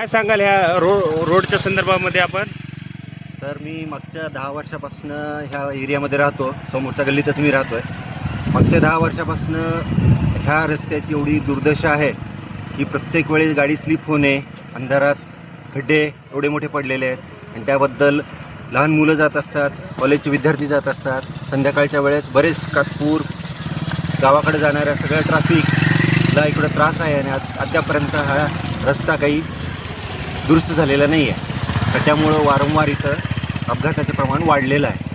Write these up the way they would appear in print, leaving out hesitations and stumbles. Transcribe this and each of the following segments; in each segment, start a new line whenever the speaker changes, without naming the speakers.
काय सांगाल ह्या रोडच्या संदर्भामध्ये आपण?
सर, मी मागच्या 10 वर्षापासून ह्या एरियामध्ये राहतो. समोरच्या गल्लीतच मी राहतो आहे. मागच्या 10 वर्षापासून ह्या रस्त्याची एवढी दुर्दशा आहे की प्रत्येक वेळेस गाडी स्लिप होणे, अंधारात खड्डे एवढे मोठे पडलेले आहेत आणि त्याबद्दल लहान मुलं जात असतात, कॉलेजचे विद्यार्थी जात असतात. संध्याकाळच्या वेळेस बरेच कातपूर गावाकडे जाणाऱ्या सगळ्या ट्रॅफिकला इकडं त्रास आहे आणि अद्यापर्यंत हा रस्ता काही दुरुस्त झालेला नाही आहे. खड्ड्यामुळं वारंवार इथं अपघाताचे प्रमाण वाढलेलं आहे.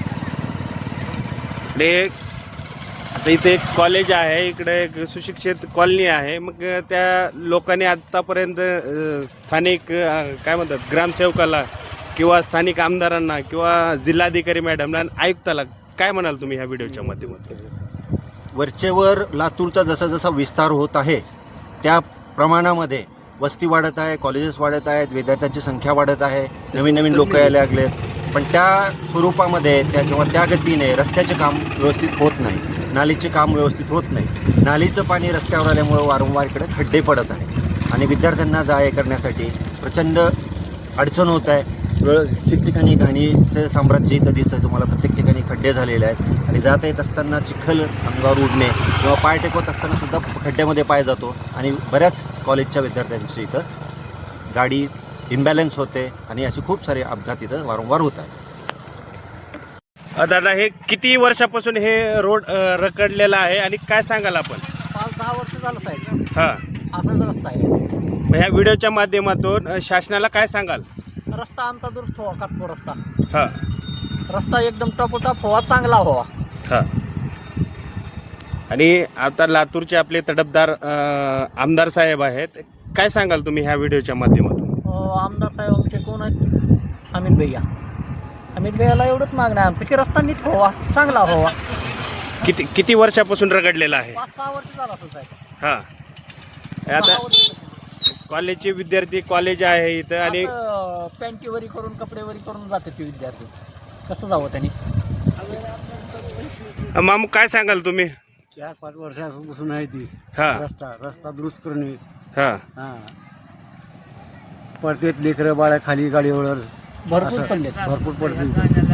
आता इथे एक कॉलेज आहे, इकडे एक सुशिक्षित कॉलनी आहे. मग त्या लोकांनी आत्तापर्यंत स्थानिक काय म्हणतात ग्रामसेवकाला किंवा स्थानिक आमदारांना किंवा जिल्हाधिकारी मॅडमला आयुक्ताला काय म्हणाल तुम्ही ह्या व्हिडिओच्या माध्यमातून?
वरचेवर लातूरचा जसा जसा विस्तार होत आहे त्या प्रमाणामध्ये वस्ती वाढत आहे, कॉलेजेस वाढत आहेत, विद्यार्थ्यांची संख्या वाढत आहे, नवीन नवीन लोक यायला लागलेत. पण त्या स्वरूपामध्ये किंवा त्या गतीने रस्त्याचे काम व्यवस्थित होत नाही, नालीचे काम व्यवस्थित होत नाही. नालीचं पाणी रस्त्यावर आल्यामुळं वारंवार इकडे खड्डे पडत आहेत आणि विद्यार्थ्यांना जा ये करण्यासाठी प्रचंड अडचण होत आहे. ठिकठिकाणी घाणीचं साम्राज्य इथं दिसतं तुम्हाला. प्रत्येक ठिकाणी खड्डे झालेले आहेत आणि जाता येत असताना चिखल अंगावर उडणे किंवा पाय टेकवत असताना सुद्धा खड्ड्यामध्ये पाय जातो आणि बऱ्याच कॉलेजच्या विद्यार्थ्यांची इथं गाडी इम्बॅलन्स होते आणि असे खूप सारे अपघात इथं वारंवार होत आहेत.
दादा, हे किती वर्षापासून हे रोड रखडलेला आहे आणि काय सांगाल आपण?
5-10 वर्ष झालं साहेब.
हां,
असाच रस्ता आहे.
मग ह्या व्हिडिओच्या माध्यमातून शासनाला काय सांगाल?
रस्ता आमचा दुरुस्त व्हावा, कातपूर रस्ता.
हां
रस्ता एकदम टपोटप व्हावा, चांगला व्हावा.
हां. आणि आता लातूरचे आपले तडफदार आमदार साहेब आहेत, काय सांगाल तुम्ही ह्या व्हिडिओच्या माध्यमातून?
आमदार साहेब आमचे कोण आहेत? अमित भैया. अमित भैयाला एवढंच मागणं आहे आमचं की रस्ता नीट व्हावा, चांगला व्हावा.
किती वर्षापासून रखडलेला आहे?
5-6 वर्ष झालं असेल साहेब.
हां. आता कॉलेजचे विद्यार्थी कॉलेज आहे इथं आणि
पॅन्टीवरी करून कपडेवरी करून जातात ते विद्यार्थी. कसं जावं त्यांनी?
मामू, काय सांगाल तुम्ही?
4-5 वर्षापासून आहे ती.
हां.
रस्ता दुरुस्त करणे.
हां.
पडतेत लेकरं बाळा खाली गाडीवर
भरपूर पडलेत.
भरपूर पडते.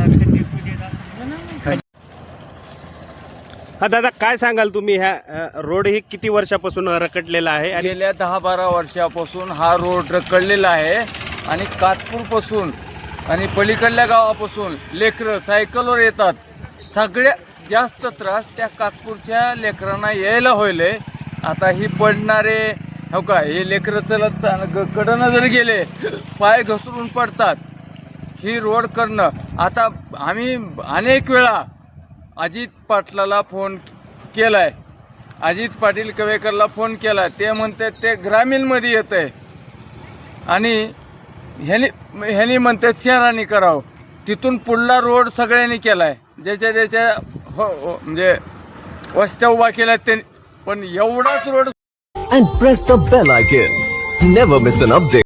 हा दादा, काय सांगाल तुम्ही? ह्या रोड ही किती वर्षापासून रखडलेला आहे? आणि
गेल्या 10-12 वर्षापासून हा रोड रखडलेला आहे आणि कातपूरपासून आणि पलीकडल्या गावापासून लेकरं सायकलवर येतात. सगळ्यात जास्त त्रास त्या कातपूरच्या लेकरांना यायला होईल. आता ही पडणारे हो का, हे लेकरं चलत कडनं जर गेले पाय घसरून पडतात. ही रोड करणं आता आम्ही अनेक वेळा अजित पाटलाला फोन केलाय, अजित पाटील कवेकरला फोन केला. ते म्हणतात ते ग्रामीणमध्ये येत आहे आणि ह्यानी म्हणतात शहरांनी करावं. तिथून पुढला रोड सगळ्यांनी केला आहे, ज्याच्या हो म्हणजे वस्त्या उभा केल्या त्यांनी. पण एवढाच road
and press the bell icon. Never miss an update.